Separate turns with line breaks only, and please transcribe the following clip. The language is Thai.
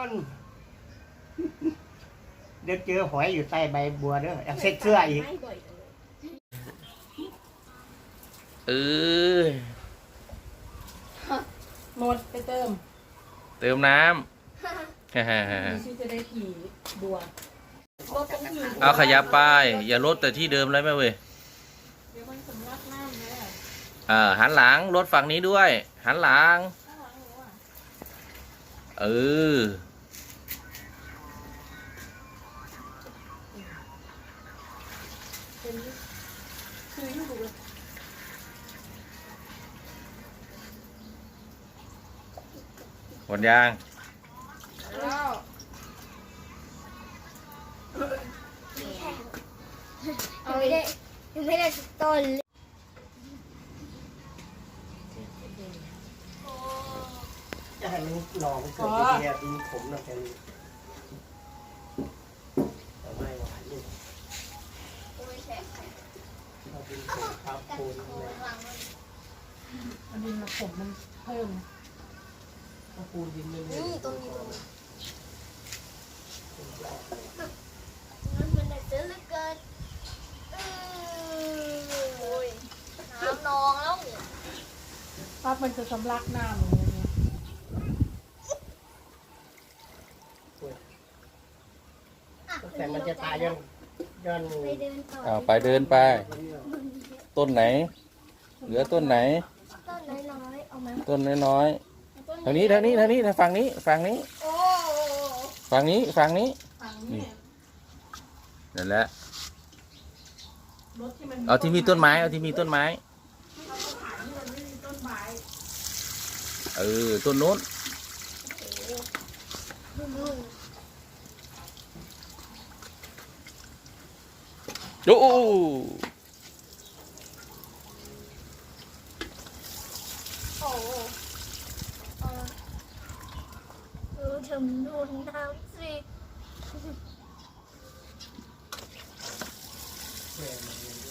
เดี๋ยวเจอหอยอยู่ใต้ใบบัวเด้ออยากเช็ดเสื้ออีก
เออ
หมดไปเติม
เติมน้ำ
มีชื่อจะได้ขี่บัวรถต้องขี่
เอาขยับไปอย่าลดแต่ที่เดิมเลยแม่เว้ย
เดี๋ยวมันสำลักน้ำเลย
หันหลังรถฝั่งนี้ด้วย หันหลัง
ข้างหลังหนูอ่ะ
เออ
เป็นคืออยู่ดูเลย
หมดยาง
แล้ว
เอาไม่ได้ไม่ได้สักต้นเลยโอ้
จะให้มันหน่อมันเกิดเดียวดินขมนะแค่นี้แต่ไม่หวานนี่
ยแฉะ
เอาดินขมทับ
กัด
ปูน
โค
เลย
หลังมัน
อันนี้มาผมมันเพิ่ม
ถ้าปูนดินไม่เลย
นี่ตรงนี้มันได้เจอเหลือเกินโอ้ยน้ำนองแล้ว
ปั๊บมันจะสำลักน้ำอย่างเงี้ย
แต่มันจะตายย้อน
ไปเดินต่อ
เอาไปเดินไป ต้นไหน เหลือต้นไหน
ต้นน้อยๆเอามา
ต้นน้อยๆทางนี้ทางนี้ทางนี้ฝั่งนี้ฝั่งนี้
โอ้
ฝั่งนี้ฝั่งนี้
ฝั่งนี้
นั่นแหละ
รถที่มัน
เอาที่มีต้นไม้เอาที่มีต้นไม้
เราก็ขายที่มันไม่มีต้นไม้
ต้นโน้นโอ้
โอ้ทำดูน้ำสิ
แม่มัน